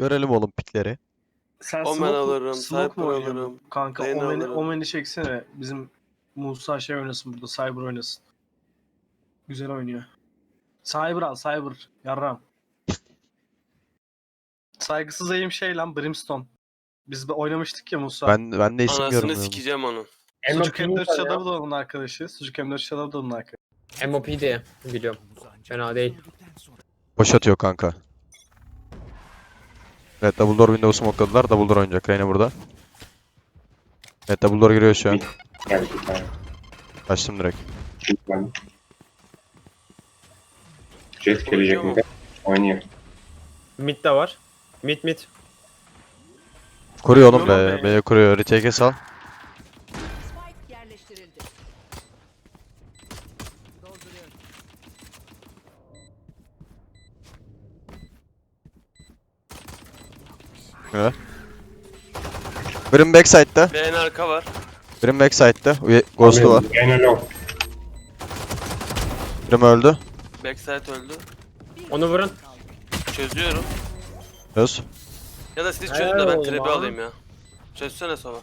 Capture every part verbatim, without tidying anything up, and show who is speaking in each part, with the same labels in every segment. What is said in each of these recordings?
Speaker 1: Görelim oğlum pikleri.
Speaker 2: Sen
Speaker 3: Omen
Speaker 2: smoke,
Speaker 3: alırım,
Speaker 2: smoke
Speaker 3: Cypher
Speaker 2: mu oynuyorsun?
Speaker 3: alırım,
Speaker 2: Kanka
Speaker 3: Reyna
Speaker 2: Omen'i,
Speaker 3: alırım.
Speaker 2: Omen'i çeksene. Bizim Musa şey oynasın burada. Cyber oynasın. Güzel oynuyor. Cyber al Cyber. Yarram. Saygısız eğim şey lan Brimstone. Biz de oynamıştık ya Musa.
Speaker 1: Ben ben de isim
Speaker 3: Anasını
Speaker 1: görmüyorum.
Speaker 3: sikeceğim onu.
Speaker 2: Sucuk
Speaker 4: M O P
Speaker 2: M dört
Speaker 4: var
Speaker 2: Shadow
Speaker 4: ya.
Speaker 2: da onun arkadaşı. Sucuk M dört Shadow da onun arkadaşı.
Speaker 4: M O P diye biliyorum. Fena değil.
Speaker 1: Boş atıyor kanka. Evet, double door window smokeladılar. Double door oynayacak. Reyna burada. Evet, double door giriyor şu an.
Speaker 5: Geldi bir tane.
Speaker 1: Açtım direkt.
Speaker 5: Ben. Jet gelecek mi? Oynuyor.
Speaker 4: Mid de var. Mid mid.
Speaker 1: Kuruyor oğlum
Speaker 2: Kuruyor mu
Speaker 1: be.
Speaker 2: be?
Speaker 1: B'ye kuruyor. Retake'e sal.
Speaker 6: Spike yerleştirildi. Dolduruyorum.
Speaker 1: Evet. Birim backside'da.
Speaker 3: B N arka var.
Speaker 1: Birim backside'da. Uye- Ghost'u var.
Speaker 5: Gene low.
Speaker 1: Birim öldü.
Speaker 3: Backside öldü.
Speaker 4: Onu vurun.
Speaker 3: Çözüyorum.
Speaker 1: Öz.
Speaker 3: Ya da siz
Speaker 4: Helal
Speaker 3: çözün de ben
Speaker 4: oğlum
Speaker 3: trebi
Speaker 4: abi.
Speaker 3: alayım ya. Çözsene Sova.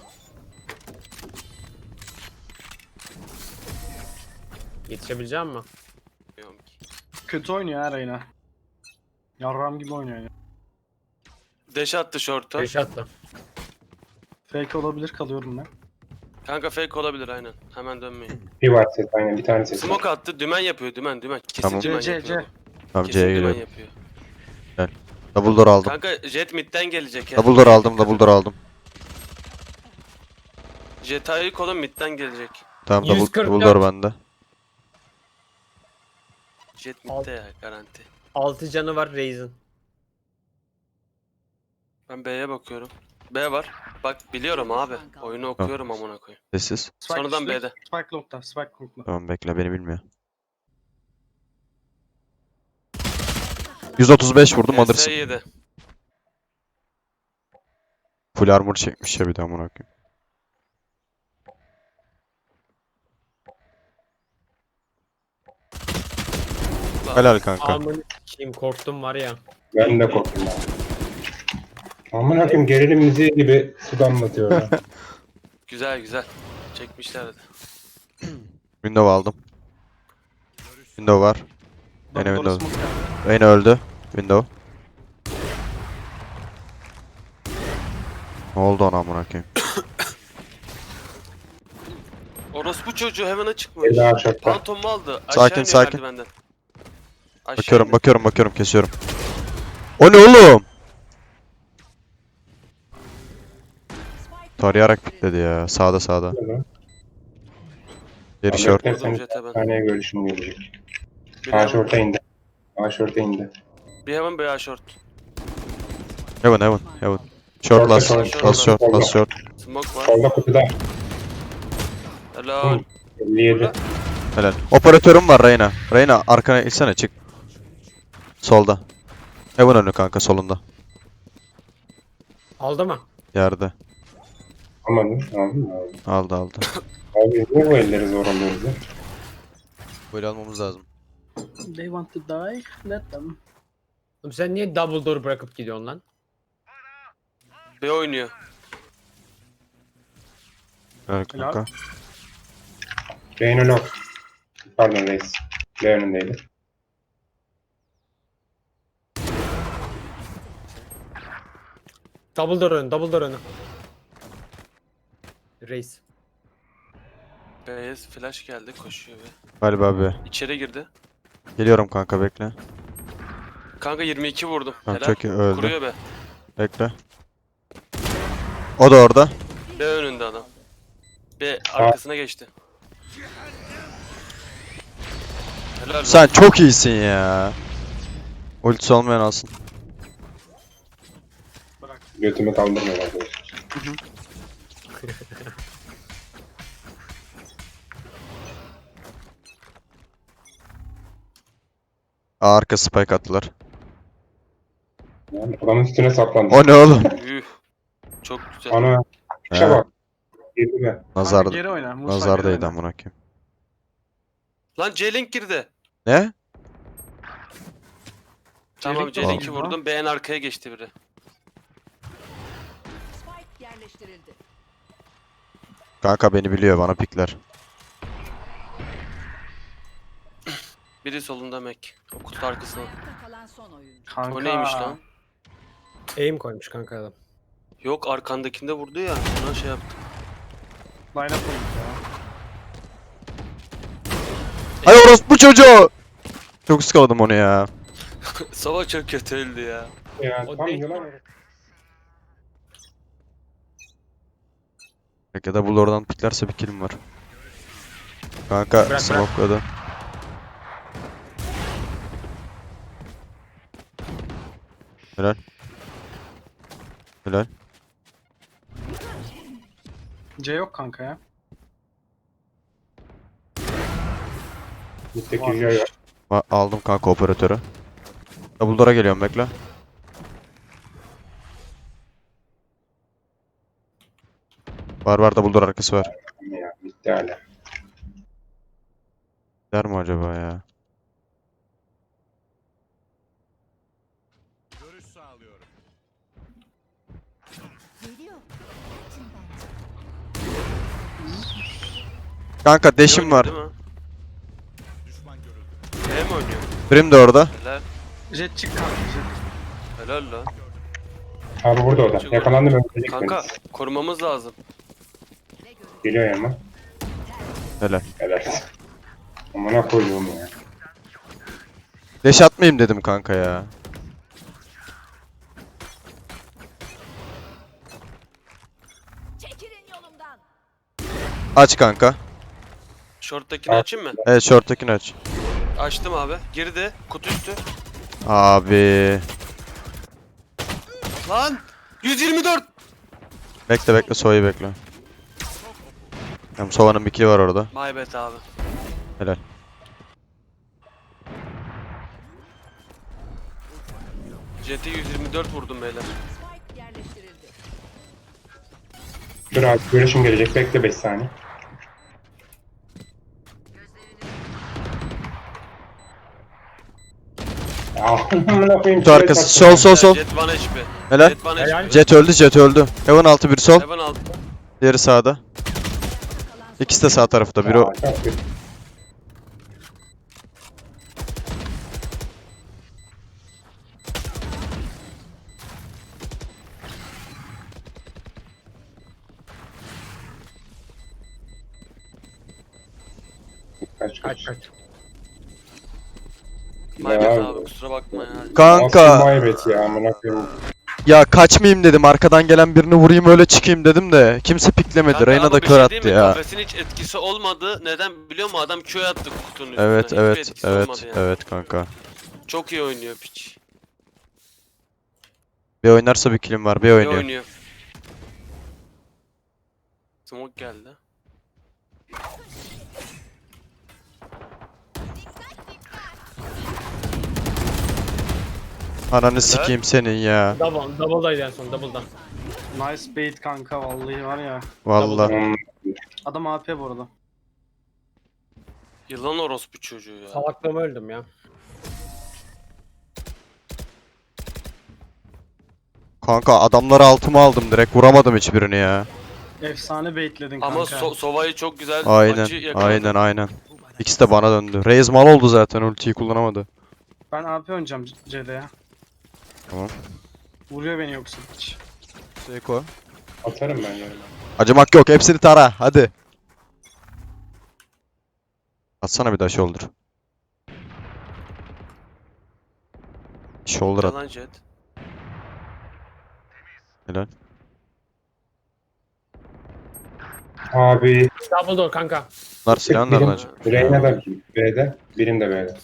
Speaker 4: Yetişebileceğim mi?
Speaker 3: Bilmiyorum ki.
Speaker 2: Kötü oynuyor ha Reyna. Yarram gibi oynuyor yani.
Speaker 3: Dash attı short'a.
Speaker 4: Beş attı.
Speaker 2: Fake olabilir kalıyorum ben.
Speaker 3: Kanka fake olabilir aynen. Hemen dönmeyin.
Speaker 5: Bir var set aynen bir tane set.
Speaker 3: Smoke attı. Dümen yapıyor. Dümen dümen. Kesin
Speaker 1: Tamam.
Speaker 3: dümen
Speaker 2: C,
Speaker 3: yapıyor.
Speaker 2: C.
Speaker 1: Tamam,
Speaker 3: Kesin
Speaker 1: C'ye
Speaker 3: dümen
Speaker 1: geliyorum.
Speaker 3: yapıyor.
Speaker 1: Double door aldım.
Speaker 3: Kanka jet midden gelecek ya.
Speaker 1: Double door aldım. Double door aldım.
Speaker 3: Jet ayı kolun midden gelecek.
Speaker 1: Tamam, double,
Speaker 4: yüz kırk
Speaker 1: double
Speaker 4: dört.
Speaker 1: door bende.
Speaker 3: Jet midde ya garanti.
Speaker 4: altı canı var Raze'in.
Speaker 3: Ben B'ye bakıyorum. B var. Bak biliyorum abi. Oyunu okuyorum amına koyayım.
Speaker 1: Sessiz.
Speaker 2: Spike
Speaker 3: Sonradan
Speaker 2: üstte,
Speaker 3: B'de.
Speaker 2: Spike long'da. Spike long'da.
Speaker 1: Tamam, bekle, beni bilmiyor. yüz otuz beş vurdum, alırsın.
Speaker 3: S yedi.
Speaker 1: Full armor çekmiş ya bir de amına koyayım. Helal kanka.
Speaker 4: Amını sikeyim korktum var ya.
Speaker 5: Ben de korktum abi. Aman hakim gerilim müziği gibi sudan batıyor ya.
Speaker 3: Güzel güzel. Çekmişlerdi.
Speaker 1: Window aldım. Window var. Yine
Speaker 2: Doktora
Speaker 1: window.
Speaker 2: smoke geldi.
Speaker 1: Reyna öldü. Window. Ne oldu ona amına koyayım?
Speaker 3: Orospu çocuğu heaven'a çıkmış.
Speaker 5: Ela aşağıda.
Speaker 3: Phantom mu aldı? Aşağı
Speaker 1: Sakin,
Speaker 3: iniyor
Speaker 1: sakin.
Speaker 3: merdivenden. Aşağı
Speaker 1: Bakıyorum,
Speaker 3: iniyor.
Speaker 1: bakıyorum, bakıyorum, kesiyorum. O ne oğlum? Tarayarak pikledi ya. Sağda sağda. Geri short.
Speaker 3: Vurdum
Speaker 5: Sen
Speaker 3: jet'e ben.
Speaker 5: bir tane görüşüm gelecek.
Speaker 3: Bir
Speaker 5: A
Speaker 3: heaven,
Speaker 5: short'a indi. A short'a indi.
Speaker 3: bir heaven, bir A short.
Speaker 1: Heaven, heaven, heaven. Short last,
Speaker 5: Short,
Speaker 1: last short, last short.
Speaker 3: Smoke var.
Speaker 5: Solda kutuda.
Speaker 3: Helal.
Speaker 5: elli yedi.
Speaker 1: Helal. Operatörüm var Reyna. Reyna arkana içsene, çık. Solda. Heaven önü kanka, solunda.
Speaker 4: Aldı mı?
Speaker 1: Yerde.
Speaker 5: Aman aldın mı abi?
Speaker 1: Aldı aldı.
Speaker 5: Abi niye bu elleri zor alıyoruz ya?
Speaker 1: Böyle almamız lazım.
Speaker 2: They want to die. Let them.
Speaker 4: Oğlum sen niye double door bırakıp gidiyorsun lan?
Speaker 3: B oynuyor.
Speaker 1: Helal kanka.
Speaker 5: Reyna lock. Pardon reis. B önündeydi.
Speaker 4: Double door önü, double door önü. Raze.
Speaker 3: B'ye flash geldi koşuyor be.
Speaker 1: Galiba be.
Speaker 3: İçeri girdi.
Speaker 1: Geliyorum kanka, bekle.
Speaker 3: Kanka yirmi iki vurdum.
Speaker 1: Tamam,
Speaker 3: Helal.
Speaker 1: çok iyi, öldü.
Speaker 3: Kuruyor be.
Speaker 1: Bekle. O da orada.
Speaker 3: B önünde adam. B arkasına geçti. Helal be.
Speaker 1: Sen çok iyisin ya. Ultisi olmayan alsın.
Speaker 5: Götümü kaldırmıyor arkadaşlar.
Speaker 1: Aa, arka spike attılar.
Speaker 5: Yani adamın üstüne saplandı.
Speaker 1: O ne oğlum?
Speaker 3: Üh. Çok güzel.
Speaker 5: Ana.
Speaker 1: He.
Speaker 5: Şuna bak. Girdi be.
Speaker 1: Nazar,
Speaker 2: Kanka geri oyna. Musa geri
Speaker 1: nazardaydı
Speaker 2: oyna.
Speaker 1: amına koyayım.
Speaker 3: Lan J-Link girdi.
Speaker 1: Ne?
Speaker 3: Tamam
Speaker 2: J-Link
Speaker 3: J-Link'i
Speaker 2: oldu.
Speaker 3: vurdum. B'nin arkaya geçti biri.
Speaker 6: yerleştirildi.
Speaker 1: Kanka beni biliyor, bana pikler.
Speaker 3: Biri solunda Mac. O kutu arkasına.
Speaker 6: Ayakta kalan son oyuncu.
Speaker 2: Kanka.
Speaker 3: O neymiş lan?
Speaker 4: Aim koymuş kanka adam.
Speaker 3: Yok arkandakinde vurdu ya. Ona şey yaptım.
Speaker 2: Line up olmuş ya.
Speaker 1: Ay orospu çocuğu! Çok ıskaladım onu ya.
Speaker 3: Sava çok kötü öldü ya.
Speaker 5: Ya
Speaker 4: O
Speaker 5: tam
Speaker 4: değil.
Speaker 5: yılan.
Speaker 1: Ya da bu oradan piklerse bir killim var. Kanka
Speaker 4: bırak.
Speaker 1: smokladı. Helal. Helal.
Speaker 2: C yok kanka ya.
Speaker 5: Mitteki Joy var.
Speaker 1: Va- Aldım kanka operatörü. Double door'a geliyorum, bekle. Var var, double door arkası var.
Speaker 5: Ya bitti hala.
Speaker 1: Der mi acaba ya? Kanka deşim
Speaker 3: Oynuyor
Speaker 1: var.
Speaker 3: değil mi? B mi oynuyor?
Speaker 1: Brim de orada.
Speaker 3: Helal.
Speaker 2: Jet çık kanka jet.
Speaker 3: Helal lan.
Speaker 5: Abi burada o da.
Speaker 3: Çok-
Speaker 5: Yakalandım öldürecek
Speaker 3: Kanka
Speaker 5: beni.
Speaker 3: korumamız lazım.
Speaker 5: Geliyor yanıma.
Speaker 1: Helal.
Speaker 5: Helal. Amına koyduğum ya.
Speaker 1: Deş atmayayım dedim kanka ya.
Speaker 6: Çekilin yolumdan.
Speaker 1: Aç kanka.
Speaker 3: Short'takini
Speaker 5: Al.
Speaker 3: açayım mı?
Speaker 1: Evet, short'takini aç.
Speaker 3: Açtım abi. Girdi. Kutu üstü.
Speaker 1: Abi.
Speaker 3: Lan! yüz yirmi dört!
Speaker 1: Bekle bekle, Sova'yı bekle. Hem Sova'nın bir kili var orada.
Speaker 3: My bad abi.
Speaker 1: Helal.
Speaker 3: Jet'e yüz yirmi dört vurdum beyler.
Speaker 6: Spike yerleştirildi.
Speaker 5: Dur abi görüşüm gelecek. Bekle beş saniye. Ya amına koyayım.
Speaker 1: Kutu arkası. Sol sol sol.
Speaker 3: Jet bir H P.
Speaker 1: Helal.
Speaker 3: Jet bir
Speaker 4: Helal.
Speaker 3: H P.
Speaker 1: Jet öldü, Jet öldü. Heaven altı, bir sol.
Speaker 3: Heaven aldı.
Speaker 1: Diğeri sağda. İkisi de sağ tarafta. Biri o.
Speaker 5: Aa, çok kötü. Kaç
Speaker 4: Kaç
Speaker 5: kaç.
Speaker 4: kaç.
Speaker 3: My bad
Speaker 5: Ya.
Speaker 3: abi kusura bakma ya.
Speaker 1: Kanka.
Speaker 5: Nasıl maybet ya amına koyayım.
Speaker 1: Ya kaçmayayım dedim. Arkadan gelen birini vurayım öyle çıkayım dedim de. Kimse piklemedi.
Speaker 3: Kanka
Speaker 1: Reyna
Speaker 3: ama
Speaker 1: da
Speaker 3: bir
Speaker 1: kör
Speaker 3: şey
Speaker 1: attı
Speaker 3: diyeyim mi?
Speaker 1: ya.
Speaker 3: Kafesin hiç etkisi olmadı. Neden biliyor musun? Adam Q attı kutunun üstüne.
Speaker 1: Evet
Speaker 3: Hiçbir
Speaker 1: evet
Speaker 3: etkisi
Speaker 1: evet
Speaker 3: olmadı yani.
Speaker 1: evet kanka.
Speaker 3: Çok iyi oynuyor piç.
Speaker 1: Bir oynarsa bir kilim var. Bir
Speaker 3: İyi
Speaker 1: oynuyor.
Speaker 3: oynuyor. Smoke geldi.
Speaker 1: Ananı sikeyim senin ya.
Speaker 4: Double, double'daydı en son double'dan.
Speaker 2: Nice bait kanka vallahi var ya.
Speaker 1: Vallahi.
Speaker 5: Hmm,
Speaker 2: Adam A P bu arada.
Speaker 3: Yılan orospu çocuğu ya.
Speaker 4: Salaklığıma öldüm ya.
Speaker 1: Kanka adamları altıma aldım direkt. Vuramadım hiçbirini ya.
Speaker 2: Efsane baitledin kanka.
Speaker 3: Ama so Sova'yı çok güzel
Speaker 1: Aynen.
Speaker 3: açı yakaladı.
Speaker 1: Aynen aynen. İkisi de bana döndü. Reis mal oldu zaten. Ultiyi kullanamadı.
Speaker 2: Ben A P oynayacağım C'de ya.
Speaker 1: Tamam.
Speaker 2: Vuruyor beni yoksa hiç.
Speaker 1: Seko.
Speaker 5: atarım ben yarın.
Speaker 1: Acımak yok. Hepsini tara. Hadi. Atsana bir daha shoulder. Shoulder at.
Speaker 3: Yalan Jet.
Speaker 1: Helal.
Speaker 5: Abi
Speaker 4: Double door kanka.
Speaker 1: Bunlar silahın nereden acaba?
Speaker 5: Reyna da B'de. Birim de B'de.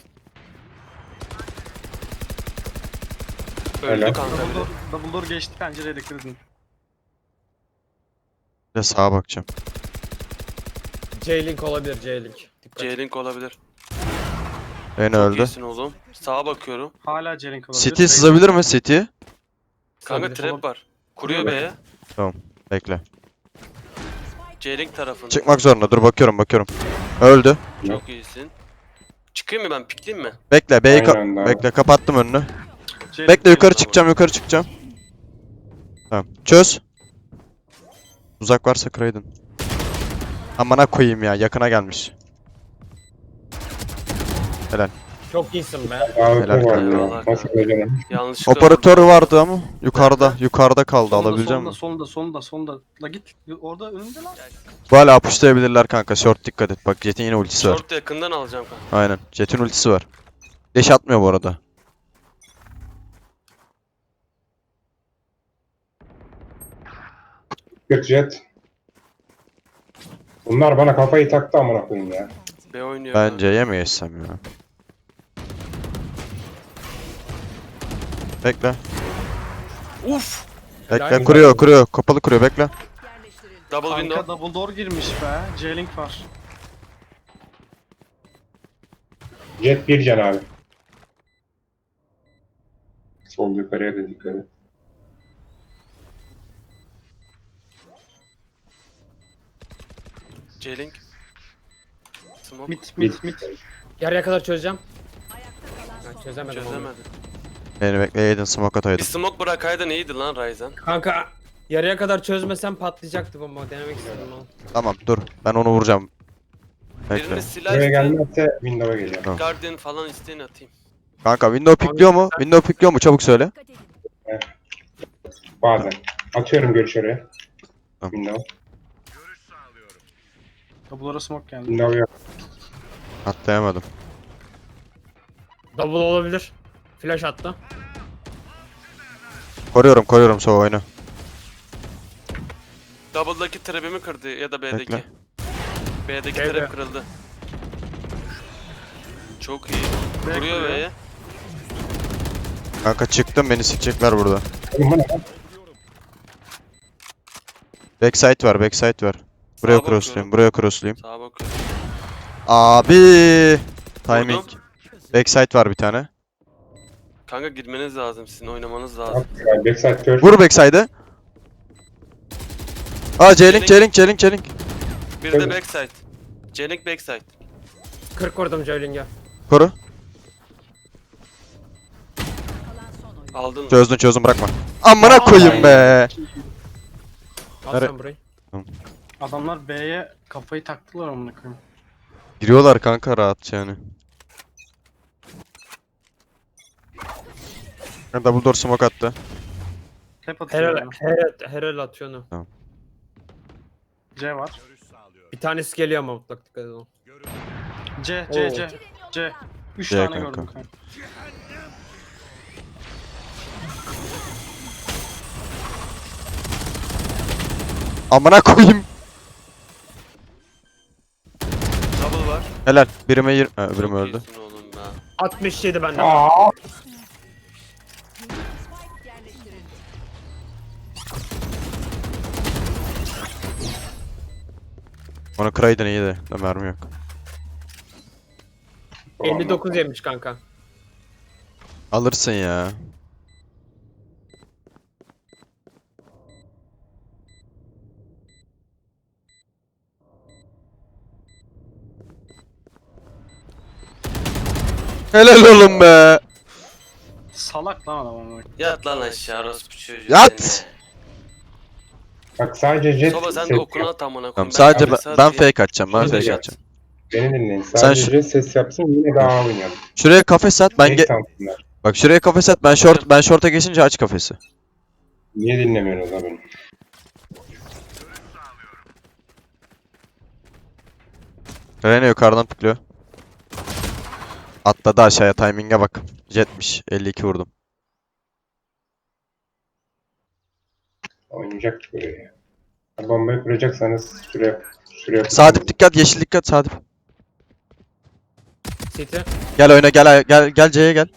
Speaker 3: Öldü
Speaker 5: Helal.
Speaker 3: kanka
Speaker 2: Double
Speaker 3: biri.
Speaker 2: door, double door geçti pencereye dikkat edin.
Speaker 1: Bir de sağa bakacağım.
Speaker 4: J-Link olabilir J-Link. Dikkat.
Speaker 3: J-Link olabilir.
Speaker 1: Beni
Speaker 3: Çok
Speaker 1: öldü.
Speaker 3: iyisin oğlum. Sağa bakıyorum.
Speaker 2: Hala C-Link olabilir.
Speaker 1: City sızabilir mi City?
Speaker 3: Kanka
Speaker 2: Olabilir.
Speaker 3: trap var. Kuruyor
Speaker 2: Kuruyor
Speaker 3: B'ye.
Speaker 1: Bekle.
Speaker 3: J-Link tarafında.
Speaker 1: Çıkmak zorunda. Dur bakıyorum bakıyorum. Öldü.
Speaker 3: Çok iyisin. Çıkayım mı ben? Pikleyeyim mi?
Speaker 1: Bekle. B'yi ka-
Speaker 5: Aynen abi.
Speaker 1: Bekle. Kapattım önünü.
Speaker 2: C-Link
Speaker 1: Bekle yukarı
Speaker 3: tamam.
Speaker 1: çıkacağım. Yukarı çıkacağım. Tamam. Çöz. Uzak varsa kıraydın. Amına koyayım ya, yakına gelmiş. Helal.
Speaker 4: Çok iyisin be.
Speaker 5: Abi
Speaker 1: Helal
Speaker 5: bu var
Speaker 1: kanka.
Speaker 5: ya. Nasıl koyacağım?
Speaker 3: Yanlışlıkla
Speaker 1: Operatör vardı ama yukarıda, yukarıda kaldı.
Speaker 2: Solda,
Speaker 1: Alabileceğim
Speaker 2: solda,
Speaker 1: mi?
Speaker 2: solda, solda, solda. La git. Orada önünde lan.
Speaker 1: Bu hala pushlayabilirler kanka. Short dikkat et. Bak Jet'in yine ultisi var.
Speaker 3: Short yakından alacağım kanka.
Speaker 1: Aynen. Jet'in ultisi var. Deş atmıyor bu arada.
Speaker 5: Göt jet. Bunlar bana kafayı taktı amına koyayım ya.
Speaker 3: B oynuyor.
Speaker 1: Bence yeme geçsem ya. Bekle.
Speaker 3: Uf.
Speaker 1: Bekle.
Speaker 4: Helal.
Speaker 1: Kuruyor, kuruyor. Kapalı kuruyor. Bekle.
Speaker 6: Yerleştirildi.
Speaker 3: Double
Speaker 2: Kanka
Speaker 3: window.
Speaker 2: double door girmiş be. J-Link var.
Speaker 5: Jet bir can abi. Sol yukarıya da dikkat et.
Speaker 3: J-Link. Smoke.
Speaker 2: Mit, mit, mit.
Speaker 4: Yarıya kadar çözeceğim.
Speaker 6: Ayakta kalan
Speaker 4: Ben
Speaker 6: son.
Speaker 4: çözemedim onu.
Speaker 3: Çözemedi.
Speaker 1: Beni bekleyeydin. Smoke
Speaker 3: Bir
Speaker 1: ataydım.
Speaker 3: smoke bırakaydın iyiydi lan Ryzen.
Speaker 4: Kanka yarıya kadar çözmesem patlayacaktı bomba. Denemek istedim onu.
Speaker 1: Tamam dur. Ben onu vuracağım. Bekle.
Speaker 3: Birini silah
Speaker 5: Buraya
Speaker 3: isteyin.
Speaker 5: gelmezse window'a geliyor.
Speaker 3: Guardian falan isteyin atayım.
Speaker 1: Kanka window pikliyor mu? Window pikliyor mu? Çabuk söyle.
Speaker 6: Dikkat edin.
Speaker 5: Bazen. Atıyorum görüş oraya.
Speaker 1: Tamam.
Speaker 5: Window.
Speaker 2: Double'lara smoke geldi.
Speaker 5: Window yok.
Speaker 1: Atlayamadım.
Speaker 4: Double olabilir. Flash attı.
Speaker 1: Koruyorum, koruyorum Sova oyunu.
Speaker 3: Double'daki trap'imi kırdı ya da B'deki.
Speaker 1: Bekle.
Speaker 3: B'deki
Speaker 4: B'de.
Speaker 3: trap kırıldı. Çok iyi.
Speaker 2: B
Speaker 3: Vuruyor
Speaker 2: kuruyor.
Speaker 3: B'ye.
Speaker 1: Kanka çıktım, beni sikecekler burada.
Speaker 5: Oğlum bu ne lan?
Speaker 1: Backside var, backside var. Buraya
Speaker 3: bakıyorum.
Speaker 1: crosslayayım, buraya crosslayayım.
Speaker 3: Sağa bakıyorum.
Speaker 1: Abi, timing.
Speaker 3: Vurdum.
Speaker 1: Backside var bir tane.
Speaker 3: Kanka girmeniz lazım, sizin oynamanız lazım.
Speaker 5: At ya, backside kör.
Speaker 1: Vur backside'ı. Aa J-Link, J-Link, J-Link, J-Link.
Speaker 3: Bir
Speaker 5: Tabii.
Speaker 3: de backside. J-Link backside.
Speaker 4: kırk vurdum Joling'e.
Speaker 1: Koru.
Speaker 6: Kalan son oyuncu.
Speaker 3: Aldın mı?
Speaker 1: Çözdün, çözdün, bırakma. Amına koyayım be.
Speaker 4: Al
Speaker 1: Nere-
Speaker 4: sen burayı.
Speaker 2: Adamlar B'ye kafayı taktılar amına koyayım.
Speaker 1: Giriyorlar kanka rahat yani. Ha, double door smoke attı.
Speaker 2: Hep atıyor.
Speaker 4: Herel,
Speaker 2: yani.
Speaker 4: herel, herel atıyor onu.
Speaker 2: C var.
Speaker 4: Bir tanesi geliyor ama mutlak dikkat edin.
Speaker 2: C, C,
Speaker 4: Oo.
Speaker 2: C. C. Üç
Speaker 1: C
Speaker 2: tane
Speaker 1: kanka.
Speaker 2: gördüm kanka.
Speaker 1: Amına koyayım.
Speaker 3: Double var.
Speaker 1: Helal. Birime yir... Ha, öbürüm
Speaker 3: Çok
Speaker 1: öldü.
Speaker 3: iyisin oğlum ya.
Speaker 4: altmış yedi benden.
Speaker 5: Aa,
Speaker 6: Spike yerleştirildi.
Speaker 1: Onu kıraydın iyiydi. Da mermi yok.
Speaker 4: elli dokuz yemiş kanka.
Speaker 1: Alırsın ya. Helal oğlum be.
Speaker 2: Salak lan adam amına.
Speaker 3: Yat lan aşağı orospu çocuğu.
Speaker 1: Yat!
Speaker 3: seni.
Speaker 5: Bak sadece jet
Speaker 3: Soba sen de
Speaker 5: ses
Speaker 3: okuna
Speaker 5: yap.
Speaker 3: at amına
Speaker 1: Tamam
Speaker 3: koyayım.
Speaker 1: sadece ben,
Speaker 3: kafes
Speaker 1: ben
Speaker 3: atayım.
Speaker 1: fake atacağım. Ben
Speaker 5: Hadi
Speaker 1: fake
Speaker 5: ya.
Speaker 1: atacağım.
Speaker 5: Beni dinleyin. Sadece
Speaker 1: şu-
Speaker 5: jet ses yapsın yine daha oynayalım.
Speaker 1: Şuraya kafes at. Ben
Speaker 5: Tek
Speaker 1: ge-
Speaker 5: sansınlar.
Speaker 1: Bak şuraya kafes at. Ben short ben short'a geçince aç kafesi.
Speaker 5: Niye dinlemiyorsunuz abi?
Speaker 1: Rene yukarıdan pikliyor. Atladı aşağıya, timing'e bak. Jetmiş. elli iki vurdum.
Speaker 5: Oynayacak böyle ya. Bombayı kuracaksanız şuraya şuraya
Speaker 1: Sadip dikkat, yeşil dikkat Sadip.
Speaker 4: City.
Speaker 1: Gel oyna, gel gel gel C'ye gel.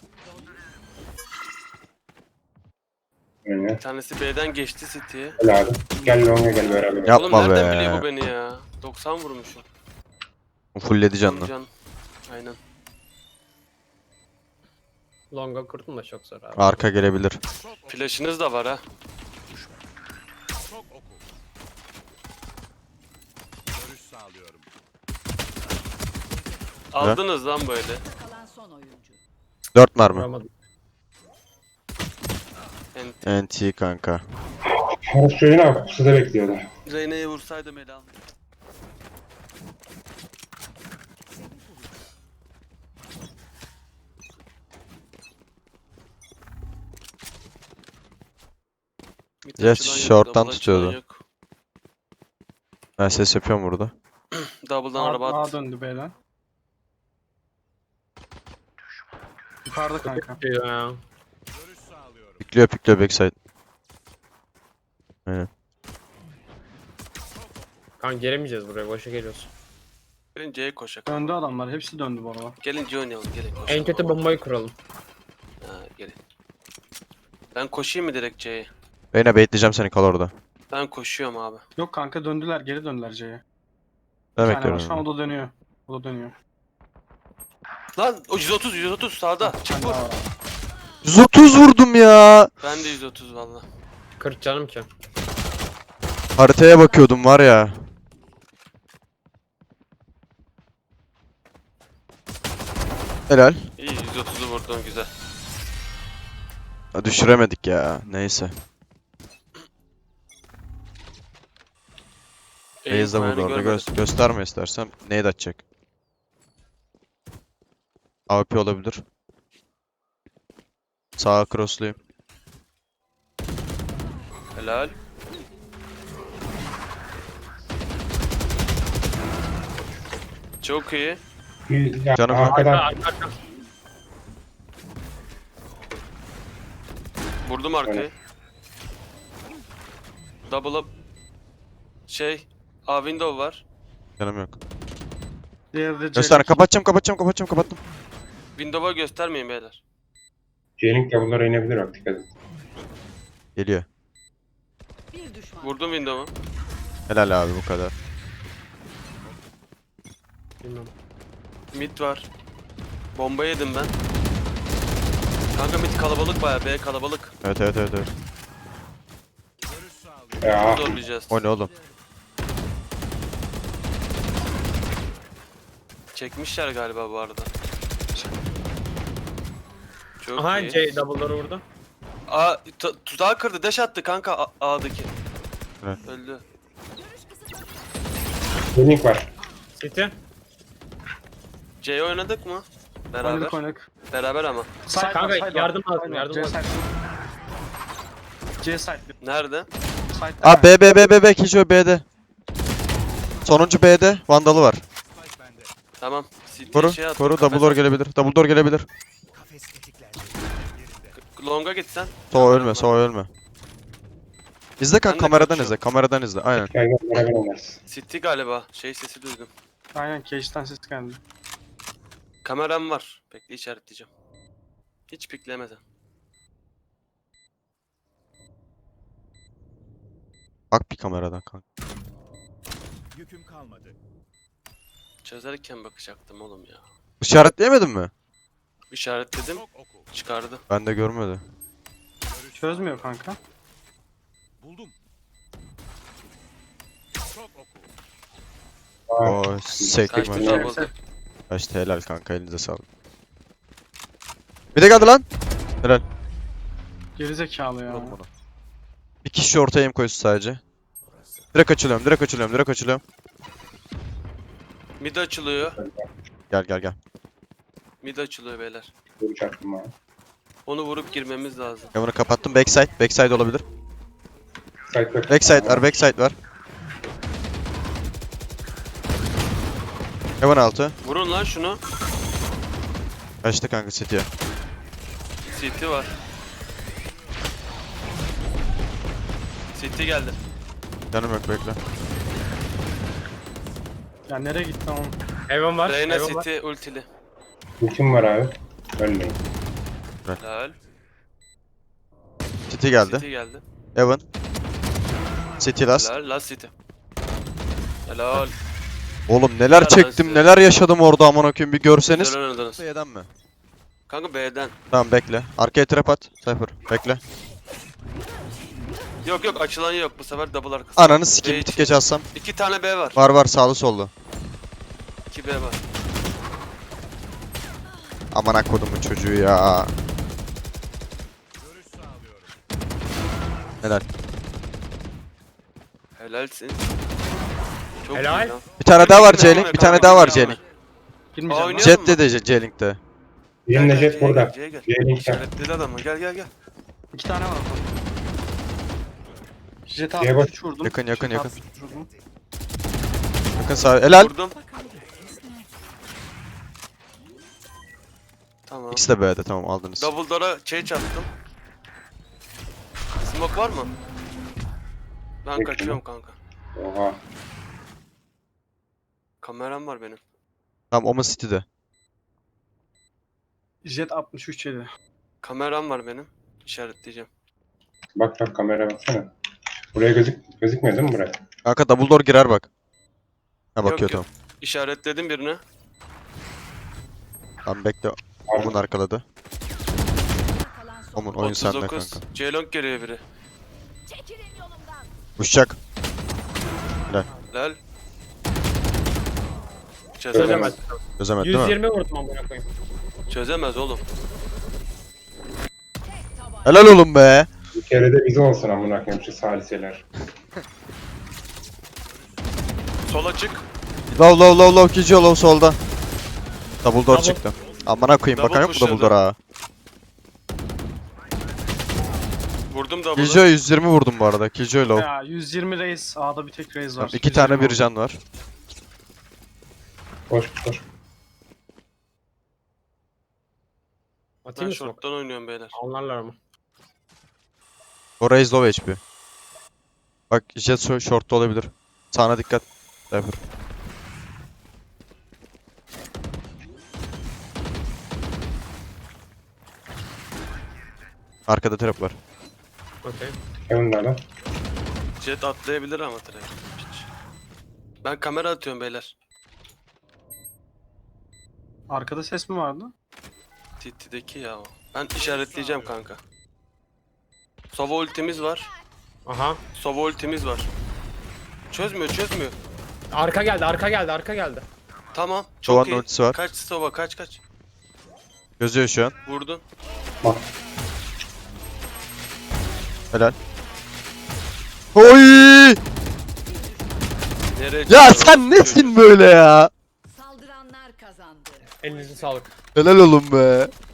Speaker 5: Oyna.
Speaker 3: Bir tanesi B'den geçti City'ye.
Speaker 5: Gel abi. Gel longa gel beraber.
Speaker 1: Yap.
Speaker 3: Oğlum
Speaker 1: Yapma
Speaker 3: nereden
Speaker 1: be.
Speaker 3: biliyor bu beni ya? doksan vurmuşum.
Speaker 1: Fulledi canını.
Speaker 3: Can. Aynen.
Speaker 4: Longa kurdum da çok zor abi.
Speaker 1: Arka gelebilir.
Speaker 3: Flash'ınız da var ha. Aldınız lan böyle.
Speaker 6: Kalan son oyuncu.
Speaker 1: dört mermi.
Speaker 4: Vuramadım.
Speaker 3: Ent.
Speaker 1: N T kanka.
Speaker 5: Harus çocuğu ne yapıp size bekliyorlar.
Speaker 3: Reyna'yı vursaydım ele aldım. Bir
Speaker 1: Yes,
Speaker 3: açılan yok,
Speaker 1: short'tan
Speaker 3: double açılan
Speaker 1: tutuyordu.
Speaker 3: yok.
Speaker 1: Ben ses yapıyorum burada.
Speaker 3: Double'dan
Speaker 2: A,
Speaker 3: araba
Speaker 2: A
Speaker 3: at.
Speaker 2: döndü B'den. Yukarıda kanka.
Speaker 4: Ya.
Speaker 1: Pikliyor pikliyor backside. Aynen.
Speaker 4: Kanka gelemeyeceğiz buraya. Boşa geliyoruz.
Speaker 3: Gelin C'ye koşak.
Speaker 2: Döndü adamlar. Hepsi döndü bu arada.
Speaker 3: Gelin C oynayalım gelin.
Speaker 4: En
Speaker 3: koşalım.
Speaker 4: kötü bombayı kuralım.
Speaker 3: Ha, gelin. Ben koşayım mı direkt C'ye?
Speaker 1: Reyna bekleyeceğim seni, kal orada.
Speaker 3: Ben koşuyorum abi.
Speaker 2: Yok kanka döndüler. Geri döndüler C'ye.
Speaker 1: Ne
Speaker 2: Bir tane var.
Speaker 1: bekliyorum?
Speaker 2: Şu an o da dönüyor. O da dönüyor.
Speaker 3: Lan o yüz otuz yüz otuz sağda.
Speaker 2: Bir
Speaker 3: Çık
Speaker 2: tane
Speaker 3: vur.
Speaker 2: daha var.
Speaker 1: yüz otuz vurdum ya.
Speaker 3: Ben de yüz otuz valla.
Speaker 4: kırk canım ki.
Speaker 1: Haritaya bakıyordum var ya. Helal.
Speaker 3: İyi yüz otuzu vurdun güzel.
Speaker 1: Ha, düşüremedik ya. Neyse.
Speaker 3: İyi,
Speaker 1: Reis de
Speaker 3: yani
Speaker 1: vurdu orada.
Speaker 3: görmedim.
Speaker 1: Gö- gösterme istersen. Nade atacak. A W P olabilir. Sağa crossluyum.
Speaker 3: Helal. Çok iyi.
Speaker 5: Bir- Ya,
Speaker 1: Canım,
Speaker 5: arkadan
Speaker 4: Arka arka.
Speaker 3: Vurdum arkayı. Double up. Şey. A window var.
Speaker 1: Canım yok.
Speaker 2: Diğeri de C.
Speaker 1: Göster. Kapatacağım kapatacağım kapatacağım kapattım.
Speaker 3: Window'a göstermeyin beyler.
Speaker 5: J-Link double'lara inebilir bak, dikkat et.
Speaker 1: Geliyor.
Speaker 6: Bir düşman.
Speaker 3: Vurdum window'u.
Speaker 1: Helal abi, bu kadar.
Speaker 4: Bilmem.
Speaker 3: Mid var. Bomba yedim ben. Kanka mid kalabalık baya. B kalabalık.
Speaker 1: Evet evet evet evet.
Speaker 5: Ya
Speaker 3: Zorlayacağız.
Speaker 1: O ne oğlum?
Speaker 3: Çekmişler galiba bu arada. Çok
Speaker 4: Aha
Speaker 3: iyi.
Speaker 4: C double'ları vurdu.
Speaker 3: A tu- tuzağı kırdı. Dash attı kanka A- A'daki.
Speaker 1: Evet.
Speaker 3: Öldü.
Speaker 5: J-Link var.
Speaker 4: City.
Speaker 3: C oynadık mı? Beraber.
Speaker 2: Oynadık oynadık.
Speaker 3: Beraber ama.
Speaker 2: Side var,
Speaker 4: Kanka,
Speaker 2: side var.
Speaker 4: yardım lazım,
Speaker 2: Side var,
Speaker 4: yardım
Speaker 2: C
Speaker 4: lazım.
Speaker 2: side. C side.
Speaker 3: Nerede?
Speaker 2: Side.
Speaker 1: Aa B B B B B Kijo B'de. Sonuncu B'de Vandal'ı var.
Speaker 3: Tamam. City
Speaker 1: Koru,
Speaker 3: şey attı,
Speaker 1: koru.
Speaker 3: kafes
Speaker 1: Double door
Speaker 3: attı.
Speaker 1: gelebilir. Double door gelebilir.
Speaker 3: Long'a gitsen.
Speaker 1: Soğa ölme, soğa ölme. İzle kan,
Speaker 3: Ben de
Speaker 1: kameradan
Speaker 3: kaçıyorum.
Speaker 1: izle, kameradan izle. Aynen.
Speaker 5: Gel gel beraber oynarız.
Speaker 3: City galiba. Şey sesi duydum.
Speaker 2: Aynen cage'den ses geldi.
Speaker 3: Kameram var. Bekle işaretleyeceğim. Hiç piklemeden.
Speaker 1: Bak bir kameradan kanka.
Speaker 7: Yüküm kalmadı.
Speaker 3: Çözerken bakacaktım oğlum ya.
Speaker 1: İşaretleyemedin mi?
Speaker 3: İşaretledim.
Speaker 7: Çok oku.
Speaker 3: Çıkardı.
Speaker 1: Ben de görmedi.
Speaker 7: Görüş
Speaker 2: Çözmüyor kanka.
Speaker 7: sağlıyorum. Buldum. Çok oku.
Speaker 5: Aa,
Speaker 1: Oo, sektik
Speaker 3: Kaçtı
Speaker 1: maç.
Speaker 2: Tamam.
Speaker 3: double.
Speaker 1: Kaçtı, helal kanka, elinize sağlık. Bir de geldi lan. Helal.
Speaker 2: Gerizekalı ya.
Speaker 1: Vuralım onu. Bir kişi ortaya aim koysun sadece. Direkt açılıyorum, direkt açılıyorum, direkt açılıyorum.
Speaker 3: Mid açılıyor.
Speaker 1: Gel gel gel.
Speaker 3: Mid açılıyor beyler.
Speaker 5: dur çaktım ha.
Speaker 3: Onu vurup girmemiz lazım.
Speaker 1: Ben bunu kapattım. Backside, backside olabilir.
Speaker 5: Side back.
Speaker 1: Backside var, backside var. Heaven altı.
Speaker 3: Vurun lan şunu.
Speaker 1: Kaçtı kanka City'ye.
Speaker 3: City var. City geldi.
Speaker 1: Canım yok, bekle.
Speaker 2: Ya nereye gitti oğlum?
Speaker 4: Heaven var.
Speaker 3: Reyna
Speaker 4: Heaven var.
Speaker 3: City ultili.
Speaker 5: Ultim var abi. Ölmeyin.
Speaker 3: Helal.
Speaker 1: City geldi.
Speaker 3: City geldi.
Speaker 1: Heaven. City last.
Speaker 3: Helal. Last City. Helal.
Speaker 1: Oğlum neler
Speaker 3: Helal
Speaker 1: çektim,
Speaker 3: size.
Speaker 1: neler yaşadım orada amına koyayım, bir görseniz.
Speaker 3: Güzel oynadınız.
Speaker 1: Y'den mi?
Speaker 3: Kanka B'den.
Speaker 1: Tamam bekle. Arkaya trap at. Cypher. Bekle.
Speaker 3: Yok yok açılan yok. Bu sefer double arkası.
Speaker 1: Ananı sikeyim,
Speaker 3: B
Speaker 1: bir tık
Speaker 3: için.
Speaker 1: geç alsam.
Speaker 3: İki tane B var.
Speaker 1: Var var, sağlı sollu.
Speaker 3: İki B var.
Speaker 1: Aman kodumun çocuğu ya.
Speaker 7: Görüş sağlıyorum.
Speaker 1: Helal.
Speaker 3: Helalsin. Çok
Speaker 4: Helal.
Speaker 3: iyi lan.
Speaker 1: Bir tane daha var
Speaker 3: Girme,
Speaker 1: J-Link. Bir tane daha var J-Link.
Speaker 2: Girmeyeceğim.
Speaker 3: Oynuyor.
Speaker 2: lan.
Speaker 1: Jet de de J-Link'te.
Speaker 5: Birimle
Speaker 3: Gel, gel,
Speaker 5: jet
Speaker 3: C'ye
Speaker 5: burada.
Speaker 3: gel, C'ye gel.
Speaker 5: J-Link'ten.
Speaker 3: İşaretledi adamı. Gel gel gel.
Speaker 2: İki tane var orada. Jet
Speaker 5: Şeye bak.
Speaker 2: altmış üç vurdum.
Speaker 1: Yakın, yakın,
Speaker 2: Jet
Speaker 1: yakın.
Speaker 2: altmış üç vurdum.
Speaker 1: Bakın sağ. Helal.
Speaker 3: Vurdum. Tamam.
Speaker 1: İkisi de B'de, tamam aldınız.
Speaker 3: Double door'a şey çarptım. Smoke var mı? Ben
Speaker 5: Peki.
Speaker 3: kaçıyorum kanka.
Speaker 5: Oha.
Speaker 3: Kameram var benim.
Speaker 1: Tamam Omen City'de.
Speaker 2: Jet altmış üç yedi.
Speaker 3: Kameram var benim. İşaretleyeceğim.
Speaker 5: Bak bak kamera baksana. Buraya gözük gözükmüyor değil mi buraya?
Speaker 1: Kanka double door girer bak. Ha bakıyor
Speaker 3: yok.
Speaker 1: tamam.
Speaker 3: İşaretledim birini.
Speaker 1: Tamam bekle. Omen arkaladı.
Speaker 6: Kalan son.
Speaker 1: Omen oyun sende
Speaker 3: otuz dokuz.
Speaker 1: kanka.
Speaker 3: C-Long geliyor biri.
Speaker 6: Çekilin yolumdan.
Speaker 1: Uçacak.
Speaker 3: Lel.
Speaker 4: Çözemez.
Speaker 3: Çözemez.
Speaker 1: Çözemedi değil mi?
Speaker 4: yüz yirmi vurdum amına koyayım.
Speaker 3: Çözemez oğlum.
Speaker 1: Helal oğlum be.
Speaker 5: Bir kere de bize olsun amına koyayım şu saliseler.
Speaker 3: Sol açık.
Speaker 1: Low low low low Kijo low solda. Double door
Speaker 4: Double.
Speaker 1: çıktı. Amına koyayım
Speaker 3: Double
Speaker 1: bakan yok mu double
Speaker 3: pushladı.
Speaker 1: door'a?
Speaker 3: Vurdum double'ı.
Speaker 1: Kijo yüz yirmi vurdum bu arada. Kijo low.
Speaker 2: Ya yüz yirmi reis. A'da bir tek reis var.
Speaker 1: Tamam, iki tane
Speaker 2: yüz yirmi
Speaker 1: bir can var.
Speaker 5: Koş koş.
Speaker 3: Ben
Speaker 4: Atayım mı smoke?
Speaker 3: short'tan oynuyorum beyler.
Speaker 4: Anlarlar ama.
Speaker 1: O raise low H P. Bak jet so- short'ta olabilir. Sağına dikkat. Cypher. Arkada trap var.
Speaker 4: Okey.
Speaker 5: Heaven'da lan.
Speaker 3: Jet atlayabilir ama direkt. Piç. Ben kamera atıyorum beyler.
Speaker 2: Arkada ses mi vardı?
Speaker 3: T T'deki ya o. Ben işaretleyeceğim kanka. Sova ultimiz var.
Speaker 4: Aha.
Speaker 3: Sova ultimiz var. Çözmüyor çözmüyor.
Speaker 4: Arka geldi, arka geldi, arka geldi.
Speaker 3: Tamam. Çok
Speaker 1: Sova'nın
Speaker 3: iyi.
Speaker 1: ultisi var.
Speaker 3: Kaç Sova kaç kaç.
Speaker 1: Gözüyor şu an.
Speaker 3: Vurdun.
Speaker 5: Bak.
Speaker 1: Helal. Oy!
Speaker 3: Nereye
Speaker 1: Ya
Speaker 3: çıkıyor
Speaker 1: sen
Speaker 3: o
Speaker 1: nesin
Speaker 3: çocuk?
Speaker 1: böyle ya?
Speaker 6: Saldıranlar kazandı.
Speaker 4: Elinize sağlık.
Speaker 1: Helal oğlum be.